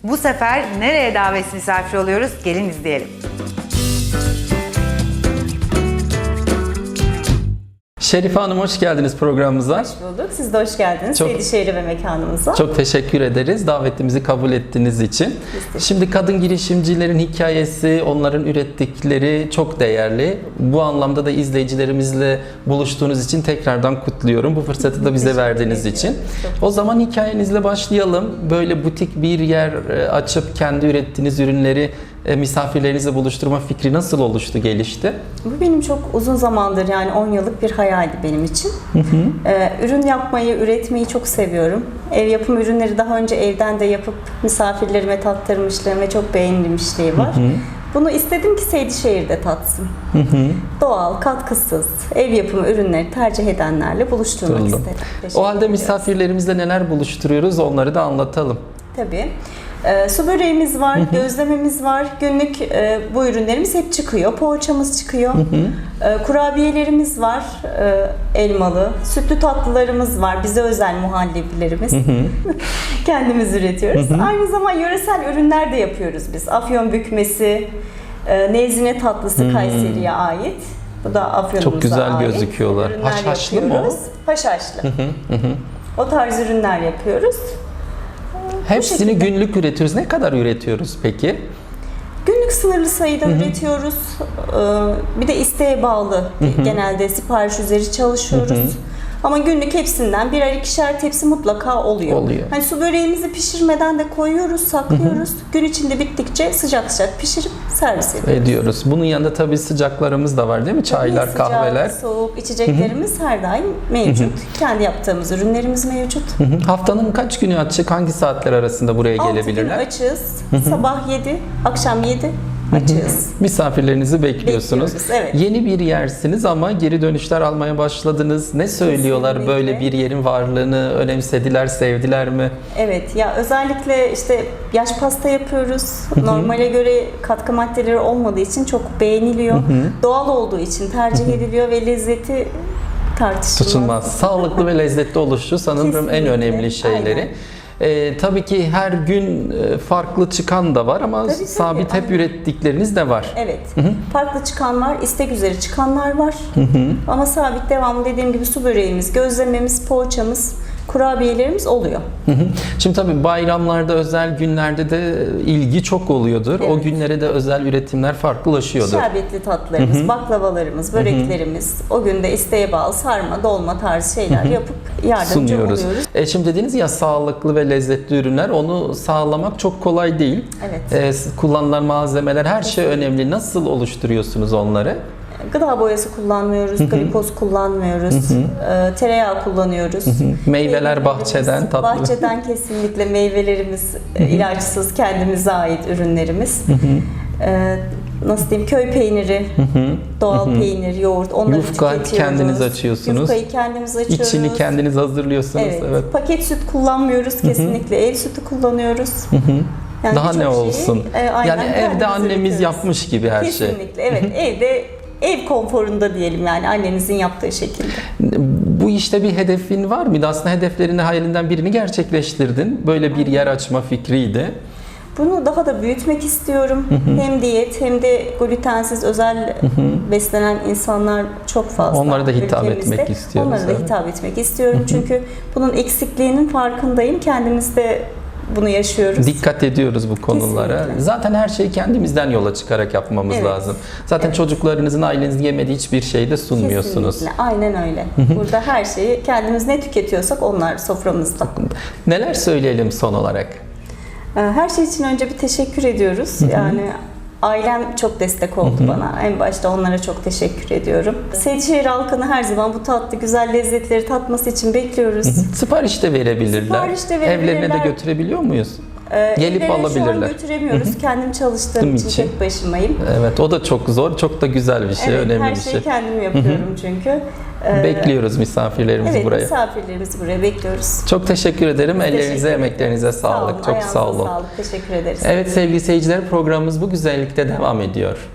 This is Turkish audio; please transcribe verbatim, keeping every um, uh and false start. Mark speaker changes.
Speaker 1: Bu sefer nereye davet misafir oluyoruz? Gelin izleyelim.
Speaker 2: Şerife Hanım hoş geldiniz programımıza.
Speaker 3: Hoş bulduk. Siz de hoş geldiniz
Speaker 2: Çok-
Speaker 3: Seydişehir'e ve mekanımıza.
Speaker 2: Çok teşekkür ederiz davetimizi kabul ettiğiniz için. Şimdi kadın girişimcilerin hikayesi, onların ürettikleri çok değerli. Bu anlamda da izleyicilerimizle buluştuğunuz için tekrardan kutluyorum. Bu fırsatı da bize
Speaker 3: Teşekkür
Speaker 2: verdiğiniz
Speaker 3: ediyorum.
Speaker 2: için.
Speaker 3: Çok
Speaker 2: O zaman hikayenizle başlayalım. Böyle butik bir yer e, açıp kendi ürettiğiniz ürünleri e, misafirlerinizle buluşturma fikri nasıl oluştu, gelişti?
Speaker 3: Bu benim çok uzun zamandır, yani on yıllık bir hayaldi benim için. Ee, ürün yapmayı, üretmeyi çok seviyorum. Ev yapım ürünleri daha önce evden de yapıp misafirlerime tattırmışlığım ve çok beğenilmişliği var. Bunu istedim ki Seydişehir'de tatsın. Doğal, katkısız, ev yapımı ürünleri tercih edenlerle buluşturmak
Speaker 2: Kırıldım.
Speaker 3: istedim. Teşekkür
Speaker 2: O halde
Speaker 3: ediyoruz.
Speaker 2: misafirlerimizle neler buluşturuyoruz onları da anlatalım.
Speaker 3: Tabii. Ee, su böreğimiz var, gözlememiz var. Günlük e, bu ürünlerimiz hep çıkıyor. Poğaçamız çıkıyor. E, kurabiyelerimiz var, e, elmalı. Sütlü tatlılarımız var, bize özel muhallebilerimiz. Kendimiz üretiyoruz. Aynı zamanda yöresel ürünler de yapıyoruz biz. Afyon bükmesi, e, nezine tatlısı Kayseri'ye ait. Bu da Afyon'umuza
Speaker 2: Çok güzel
Speaker 3: ait.
Speaker 2: gözüküyorlar.
Speaker 3: Ürünler
Speaker 2: Haşhaşlı mı o?
Speaker 3: yapıyoruz. Haşhaşlı. O tarz ürünler yapıyoruz.
Speaker 2: Hepsini
Speaker 3: şekilde.
Speaker 2: günlük üretiyoruz. Ne kadar üretiyoruz peki?
Speaker 3: Günlük sınırlı sayıda üretiyoruz. Ee, Bir de isteğe bağlı. Genelde sipariş üzeri çalışıyoruz. Ama günlük hepsinden birer ikişer tepsi mutlaka oluyor.
Speaker 2: Oluyor.
Speaker 3: Hani su böreğimizi pişirmeden de koyuyoruz, saklıyoruz. Gün içinde bittikçe sıcak sıcak pişirip servis ediyoruz.
Speaker 2: Ediyoruz. Bunun yanında tabii sıcaklarımız da var değil mi? Çaylar,
Speaker 3: Sıcak,
Speaker 2: kahveler.
Speaker 3: soğuk içeceklerimiz her daim mevcut. Kendi yaptığımız ürünlerimiz mevcut.
Speaker 2: Hı hı. Haftanın kaç günü açık? Hangi saatler arasında buraya
Speaker 3: altı gün
Speaker 2: gelebilirler?
Speaker 3: açığız. Sabah yedi, akşam yedi açığız.
Speaker 2: Misafirlerinizi bekliyorsunuz.
Speaker 3: Bekliyoruz, evet.
Speaker 2: Yeni bir yersiniz ama geri dönüşler almaya başladınız. Ne söylüyorlar?
Speaker 3: Kesinlikle.
Speaker 2: Böyle bir yerin varlığını önemsediler, sevdiler mi?
Speaker 3: Evet, ya özellikle işte yaş pasta yapıyoruz. Normale göre katkı maddeleri olmadığı için çok beğeniliyor. Doğal olduğu için tercih ediliyor ve lezzeti tartışılmaz.
Speaker 2: Tutulmaz. Sağlıklı ve lezzetli oluşu sanırım en
Speaker 3: Kesinlikle.
Speaker 2: önemli şeyleri.
Speaker 3: Aynen.
Speaker 2: Ee, tabii ki her gün e, farklı çıkan da var ama
Speaker 3: Tabii, tabii,
Speaker 2: sabit hep
Speaker 3: aynen.
Speaker 2: ürettikleriniz de var.
Speaker 3: Evet. Farklı çıkan var, istek üzeri çıkanlar var. Ama sabit devamlı dediğim gibi su böreğimiz, gözlememiz, poğaçamız, kurabiyelerimiz oluyor.
Speaker 2: Hı hı. Şimdi tabii bayramlarda, özel günlerde de ilgi çok oluyordur. O
Speaker 3: Evet.
Speaker 2: günlere de özel üretimler farklılaşıyordur.
Speaker 3: Şerbetli tatlılarımız, baklavalarımız, böreklerimiz, o günde isteğe bağlı sarma, dolma tarzı şeyler yapıp yardımcı
Speaker 2: Sunuyoruz.
Speaker 3: oluyoruz.
Speaker 2: E şimdi dediniz ya sağlıklı ve lezzetli ürünler, onu sağlamak çok kolay değil.
Speaker 3: Evet.
Speaker 2: E, kullanılan malzemeler, her şey önemli. Nasıl oluşturuyorsunuz onları?
Speaker 3: Gıda boyası kullanmıyoruz, glikoz kullanmıyoruz, e, tereyağı kullanıyoruz.
Speaker 2: Meyveler
Speaker 3: Meyvelerimiz-
Speaker 2: bahçeden, tatlı.
Speaker 3: Bahçeden kesinlikle meyvelerimiz e, ilaçsız, kendimize ait ürünlerimiz. E, nasıl diyeyim, köy peyniri, doğal peynir, yoğurt, onları
Speaker 2: Yufka
Speaker 3: tüketiyoruz.
Speaker 2: kendiniz açıyorsunuz.
Speaker 3: Yufkayı kendimiz açıyoruz.
Speaker 2: İçini kendiniz hazırlıyorsunuz.
Speaker 3: Evet.
Speaker 2: Evet.
Speaker 3: Paket süt kullanmıyoruz kesinlikle, ev sütü kullanıyoruz. Yani
Speaker 2: Daha ne
Speaker 3: birçok şeyi,
Speaker 2: olsun?
Speaker 3: e, aynen
Speaker 2: Yani evde
Speaker 3: kendimiz
Speaker 2: annemiz
Speaker 3: üretiyoruz.
Speaker 2: yapmış gibi her şey.
Speaker 3: Kesinlikle, evet. Evde ev konforunda diyelim, yani annenizin yaptığı şekilde.
Speaker 2: Bu işte bir hedefin var mıydı? Aslında hedeflerini, hayalinden birini gerçekleştirdin. Böyle bir yer açma fikriydi.
Speaker 3: Bunu daha da büyütmek istiyorum. Hem diyet hem de glutensiz özel beslenen insanlar çok fazla.
Speaker 2: Onlara da hitap
Speaker 3: ülkemizde.
Speaker 2: etmek istiyoruz,
Speaker 3: Onlara da
Speaker 2: evet.
Speaker 3: hitap etmek istiyorum. Çünkü bunun eksikliğinin farkındayım. Kendimiz de bunu yaşıyoruz.
Speaker 2: Dikkat ediyoruz bu konulara.
Speaker 3: Kesinlikle.
Speaker 2: Zaten her şeyi kendimizden yola çıkarak yapmamız
Speaker 3: Evet.
Speaker 2: lazım. Zaten
Speaker 3: Evet.
Speaker 2: çocuklarınızın, ailenizin yemediği hiçbir şeyi de sunmuyorsunuz.
Speaker 3: Kesinlikle. Aynen öyle. Burada her şeyi kendimiz ne tüketiyorsak onlar soframızda.
Speaker 2: Neler söyleyelim son olarak?
Speaker 3: Her şey için önce bir teşekkür ediyoruz. Yani ailem çok destek oldu bana. En başta onlara çok teşekkür ediyorum. Seydişehir halkını her zaman bu tatlı, güzel lezzetleri tatması için bekliyoruz.
Speaker 2: Sipariş de verebilirler.
Speaker 3: Sipariş de verebilirler.
Speaker 2: Evlerine de götürebiliyor muyuz?
Speaker 3: Ee,
Speaker 2: Gelip
Speaker 3: evlere şu an
Speaker 2: alabilirler.
Speaker 3: götüremiyoruz. Kendim çalıştığım
Speaker 2: Değil
Speaker 3: için,
Speaker 2: için.
Speaker 3: tek başımayım.
Speaker 2: Evet, o da çok zor, çok da güzel bir şey,
Speaker 3: Evet,
Speaker 2: önemli
Speaker 3: her
Speaker 2: bir
Speaker 3: şeyi
Speaker 2: şey.
Speaker 3: kendim yapıyorum çünkü. Ee,
Speaker 2: Bekliyoruz misafirlerimizi
Speaker 3: Evet,
Speaker 2: buraya.
Speaker 3: misafirlerimizi buraya bekliyoruz.
Speaker 2: Çok teşekkür ederim.
Speaker 3: Teşekkür
Speaker 2: Ellerinize,
Speaker 3: ederim.
Speaker 2: emeklerinize sağlık. Çok
Speaker 3: Ayağınıza
Speaker 2: sağ olun.
Speaker 3: Sağlık. Teşekkür ederiz.
Speaker 2: Evet sevgili seyirciler, programımız bu güzellikte devam ediyor.